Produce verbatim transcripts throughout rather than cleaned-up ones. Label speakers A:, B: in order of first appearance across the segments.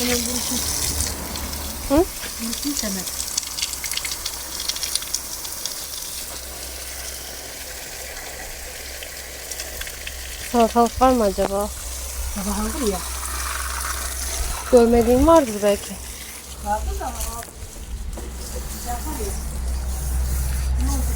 A: Hı?
B: Vursun Semet.
A: Salatalık var mı acaba?
B: Sabah aldım ya.
A: Görmediğim vardır belki.
B: Vardı da abi. Yapar ya. Ne oldu?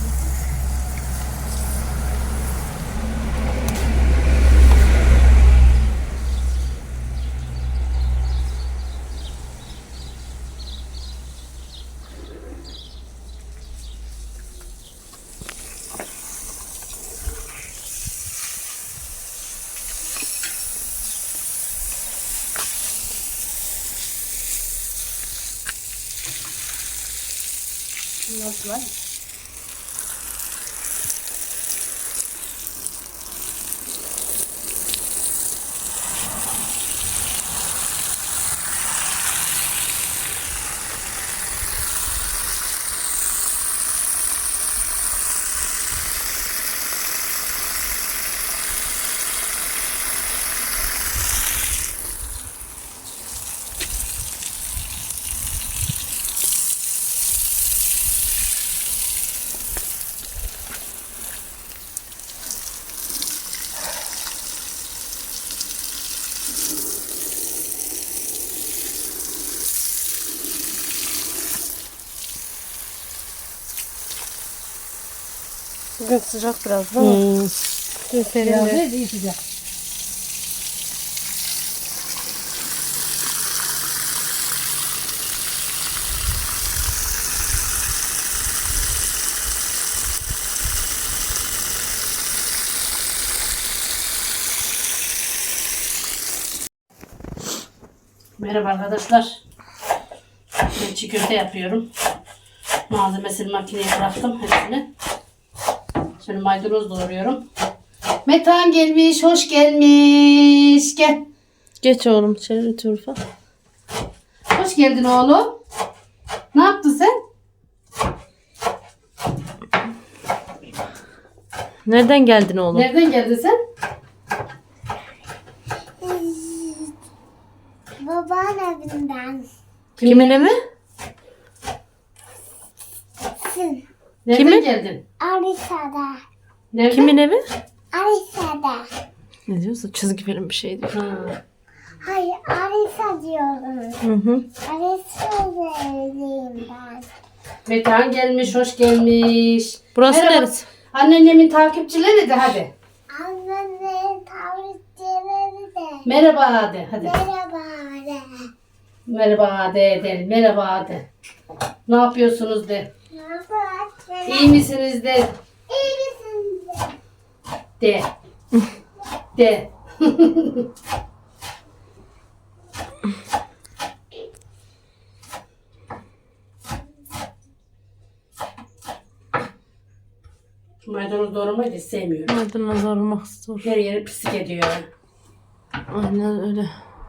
B: Nasıl var?
A: Bugün sıcak biraz değil mi?
B: Hmm.
A: Dün
B: Biraz
A: serindi.
B: değil, iyi sıcak. Merhaba arkadaşlar. Ben çiğ köfte yapıyorum. Malzemesini makineye bıraktım hepsini. Şimdi maydanoz doğruyorum. Metan gelmiş, hoş gelmiş. Gel.
A: Geç oğlum içeri Turfa.
B: Hoş geldin oğlum. Ne yaptın sen?
A: Nereden geldin oğlum?
B: Nereden geldin sen?
C: Babanın evinden.
A: Kimin evi?
C: Sın.
B: Nereden
A: Kimin?
B: geldin?
C: Arisa'da.
B: Nereden?
A: Kimin evi?
C: Arisa'da.
A: Ne diyorsun? Çizgi film bir şey diyor.
B: Ha.
C: Hayır, Arisa diyorum.
A: Hı hı.
C: Arisa'da evliyim ben.
B: Metan gelmiş, hoş gelmiş.
A: Burası
B: Merhaba.
A: neresi?
B: Anneannemin takipçileri de hadi.
C: Annenin tavukları da.
B: Merhaba de hadi.
C: Merhaba de.
B: Merhaba de edelim. Merhaba de. Ne yapıyorsunuz de.
C: Ne yapıyorsun?
B: İyi misiniz de.
C: İyi misin de?
B: De. De. Maydanoz doğramayı da sevmiyorum.
A: Maydanoz aramak zor.
B: Her yeri pislik ediyor.
A: Aynen öyle.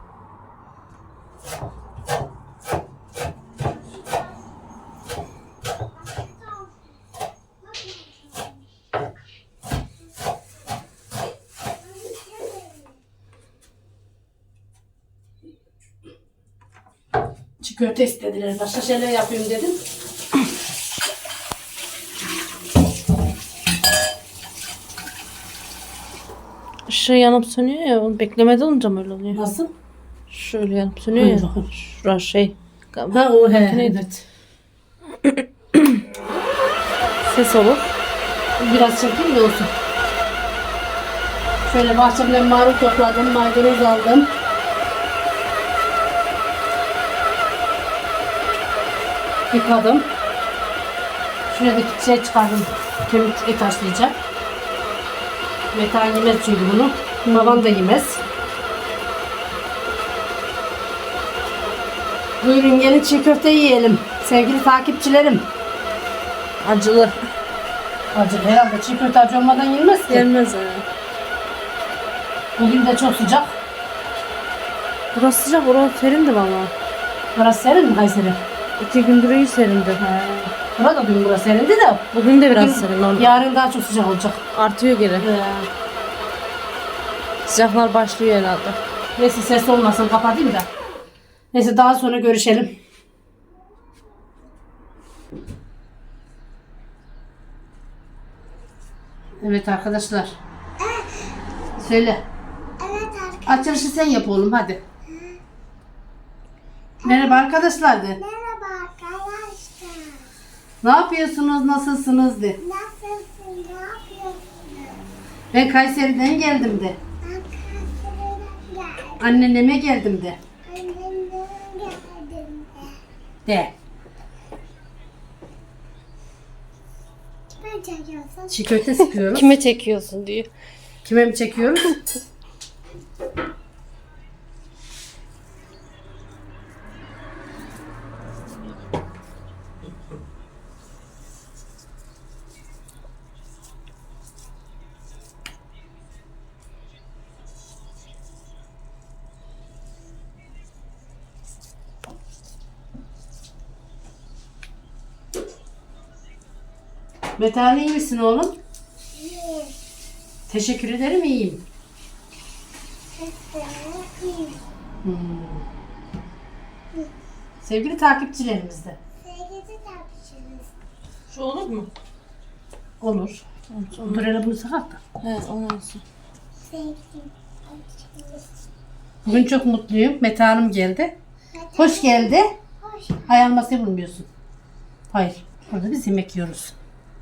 B: Çiğ köfte istediler. Başka şeyler yapayım dedim.
A: Işığı yanıp sönüyor ya. Onu beklemede olunca mı öyle oluyor?
B: Nasıl?
A: Şöyle yanıp sönüyor ya. Şurası şey.
B: Ha o he.
A: Neydi?
B: Evet.
A: Ses olur.
B: Biraz çekeyim de olsun. Şöyle bahçemden marul topladım. Maydanoz aldım. Yıkadım. Şuradaki şey çıkardım. Kemik et haşlayacak. Metan yemez çünkü bunu. Babam da yemez. Buyurun gelin çiğ köfte yiyelim. Sevgili takipçilerim.
A: Acılı.
B: Acı herhalde çiğ köfte acı olmadan yenmez ki.
A: Gelmez ha.
B: Bugün de çok sıcak.
A: Burası sıcak. Orası serindi valla.
B: Burası serin mi Kayseri?
A: İki gündür iyi serindi.
B: He. Burada dün burası serindi de.
A: Bugün de biraz
B: Bugün-
A: serin. Normal.
B: Yarın daha çok sıcak olacak.
A: Artıyor geri.
B: He.
A: Sıcaklar başlıyor herhalde.
B: Neyse ses olmasın kapatayım da. Neyse daha sonra görüşelim. Evet arkadaşlar. Söyle.
C: Evet arkadaşlar.
B: Açılışı sen yap oğlum hadi. Merhaba arkadaşlar de.
C: Merhaba arkadaşlar.
B: Ne yapıyorsunuz? Nasılsınız de.
C: Nasılsın? Ne yapıyorsun?
B: Ben Kayseri'den geldim de.
C: Ben Kayseri'den geldim.
B: Anneneme geldim de.
C: Annemden geldim de.
B: De.
C: Kime çekiyorsun?
B: Çiğ köfte sıkıyoruz.
A: Kime çekiyorsun diyor.
B: Kime mi çekiyoruz? Metehan iyi misin oğlum?
C: İyi.
B: Teşekkür ederim iyiyim.
C: Sesini
B: Hmm. Sevgili takipçilerimiz de.
C: sevgili tartışırız.
A: Şu olur mu?
B: Olur. Dur hele bunu sakat da.
A: He onu olsun.
C: Sevgili tartışırız.
B: Bugün çok mutluyum. Mete Hanım geldi. Hoş geldi.
C: Hoş.
B: Hayal masayı bulmuyorsun. Hayır. Burada biz yemek yiyoruz.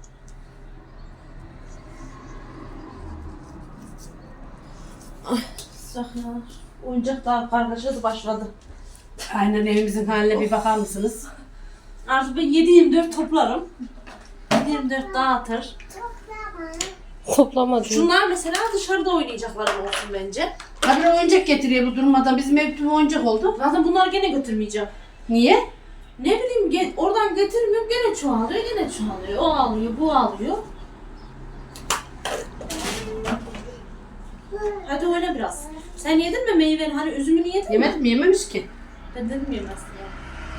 A: Sıcak ya. Oyuncak daha kargaşası başladı.
B: Aynen evimizin haline bir bakar mısınız?
A: Artık ben yedi yirmi dört toplarım. yedi yirmi dört dağıtır.
C: Toplama.
A: Toplamadım. Şunlar mesela dışarıda oynayacaklar olsun bence.
B: Habire oyuncak getiriyor bu durmadan. Bizim ev tüm oyuncak oldu.
A: Zaten bunlar gene götürmeyeceğim.
B: Niye?
A: Ne bileyim ge- oradan getirmiyorum gene çoğalıyor gene çoğalıyor. O alıyor bu alıyor. Hadi oyna biraz. Sen yedin mi meyveni? Hani üzümünü yedin mi?
B: Yemedim mi? Yememiş ki.
A: Ben dedim yemezsin ya.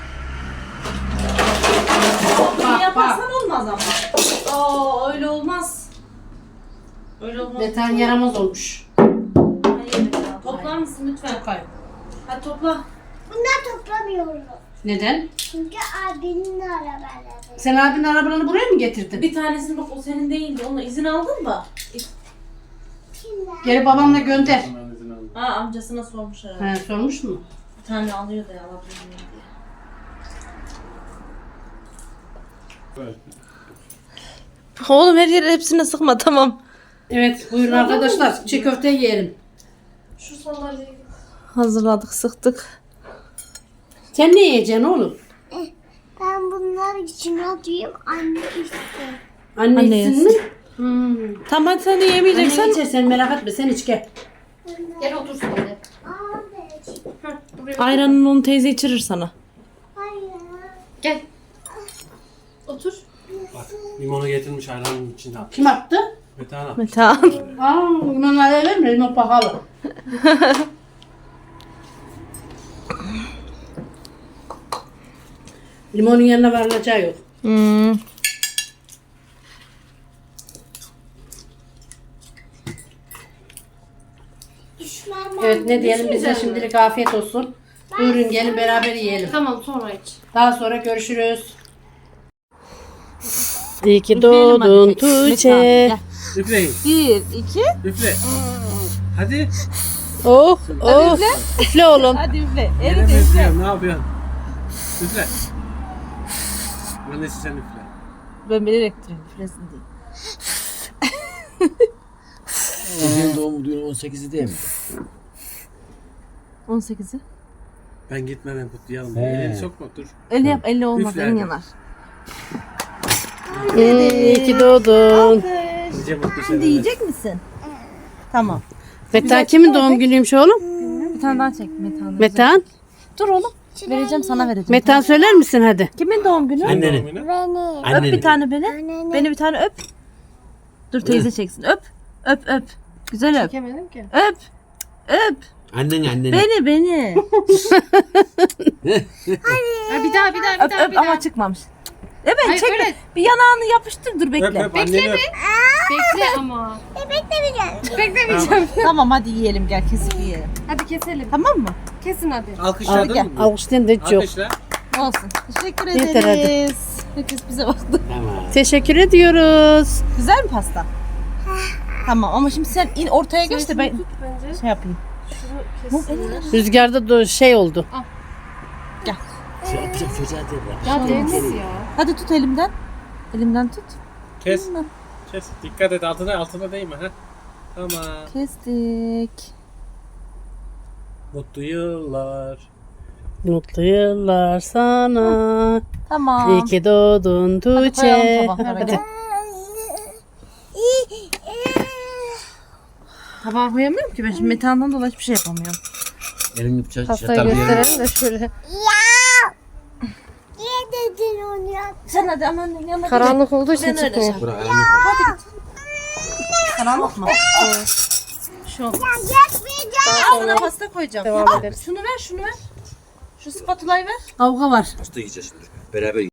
B: Bak,
A: Bunu yaparsan olmaz ama. Aa öyle olmaz. Öyle olmaz.
B: Mete Han yaramaz olmuş.
A: Hayır, ya. Toplar mısın lütfen?
B: Hayır.
A: Hadi topla.
C: Bunlar toplamıyoruz.
B: Neden?
C: Çünkü abinin arabaları.
B: Sen abinin arabalarını buraya mı getirdin?
A: Bir tanesini bak o senin değildi. Onunla izin aldın mı?
C: Kimler?
B: Geri babamla gönder.
A: Aa amcasına sormuş herhalde.
B: He, sormuş mu?
A: Bir tane alıyor da alabilir miyim diye. Oğlum her yere hepsine sıkma tamam.
B: Evet buyurun arkadaşlar. Çiğ köfte yiyelim.
A: Şu salları hazırladık sıktık.
B: Sen ne yiyeceksin oğlum?
C: Ben bunları içine atayım. Anne istedim.
B: Anne,
A: Anne
B: içsin
A: yesin.
B: mi? Hmm.
A: Tamam hadi sen de
B: Anne
A: yemeyeceksen.
B: içer sen merak etme sen iç gel.
A: Gel otur sen de.
C: Abi.
A: Ayranını onu teyze içirir sana.
C: Hayır.
A: Gel. Otur.
D: Bak limonu getirmiş ayranın içinde.
B: Kim attı?
D: Metehan
A: Metehan.
B: Aa, limon alalım mı? Limon pahalı. Limonun yanına varılacağı yok.
A: Hmm.
C: Düşmanlar.
B: Evet ne diyelim bize şimdilik afiyet olsun. Buyurun gelin beraber yiyelim.
A: Tamam sonra iç.
B: Daha sonra görüşürüz.
A: İyi ki
E: doğdun
A: Tuğçe.
D: Üfleyin.
E: Bir, iki.
D: Üfle. Hadi.
A: Oh oh. Üfle oğlum.
E: Hadi üfle.
D: Yine
E: Evet
D: mi
E: üfle.
D: üflüyorsun? Ne yapıyorsun? Üfle. Annesi sen üfle.
E: Ben bilerek duruyorum üflesin diye.
F: Senin doğum günü on sekizi değil mi?
E: on sekizi.
D: Ben gitme ben kutlayalım.
F: He.
D: Elini sokma dur.
E: Öyle yap, elle olmaz,
D: Üfle
E: elin
D: hadi.
E: yanar.
A: İyi ki doğdun.
D: Nice mutlu
E: Şimdi
D: seneler.
E: yiyecek misin? Tamam.
A: Metehan kimin doğum günüymüş oğlum?
E: Bir tane daha çek Metehan'ı.
A: Metehan.
E: Dur oğlum. Vereceğim sana vereceğim.
A: Metehan söyler misin hadi?
E: Kimin doğum günü?
D: Senin
F: Annenin.
D: doğum günü?
C: Beni.
E: Öp bir tane beni.
C: Annenin.
E: Beni bir tane öp. Dur teyze çeksin. Öp. Öp öp. Güzel öp.
A: Çekemedim ki.
E: Öp. Öp.
F: Annen annen.
E: Beni beni.
A: Bir daha bir daha
E: öp öp ama çıkmamış. Evet
B: Hayır,
E: çekme.
B: öyle.
E: Bir yanağını yapıştır dur
D: Öp
E: bekle.
D: öp anneni öp.
B: Bekle ama.
C: Beklemeyeceğim.
B: Beklemeyeceğim.
E: Tamam hadi yiyelim gel kesip yiyelim.
B: Hadi keselim.
E: Tamam mı?
B: Kesin hadi.
E: Hadi
D: Alkışladın
E: gel.
D: mı?
B: Alkışlayan da hiç yok.
D: Alkışla.
E: Olsun. Teşekkür
B: Yeter, hadi.
E: ederiz. Herkes bize baktı.
F: Tamam.
B: Teşekkür ediyoruz.
E: Güzel mi pasta? Tamam ama şimdi sen in ortaya geç de ben
B: Tut bence.
E: şey yapayım.
B: Şunu
E: Bu
B: kesinler. Rüzgarda da şey oldu.
F: Şey yapacağım çocuğa de
B: Ya değmez ya.
E: Hadi tut elimden. Elimden tut.
D: Kes.
E: Elimden.
D: Kes. Dikkat et altına altına değme ha. Tamam.
E: Kestik.
D: Mutlu yıllar.
B: Mutlu yıllar sana.
E: Tamam.
B: İyi ki doğdun
E: Hadi koyalım
B: Tuğçe.
E: tabaklara.
B: Hadi.
E: Gel. Tabağa koyamıyorum ki ben şimdi metandan dolayı hiçbir şey yapamıyorum.
F: Elini bıçak
B: Pastayı
F: çatal bir yere.
B: gösterelim de şöyle.
C: Niye dedin onu ya?
E: Sen hadi aman yanına gel.
B: Karanlık olduğu için
E: Ben öyle
B: çıkmıyor.
E: şey-
F: Bırak ayağını.
E: Karanlık mı? Şu.
C: Yapmayacağım.
E: Ağzına pasta koyacağım.
B: Devam ederiz.
E: Şunu ver şunu ver. Şu spatulayı ver.
B: Avga var.
F: Pasta yiyeceğiz şimdi. Beraber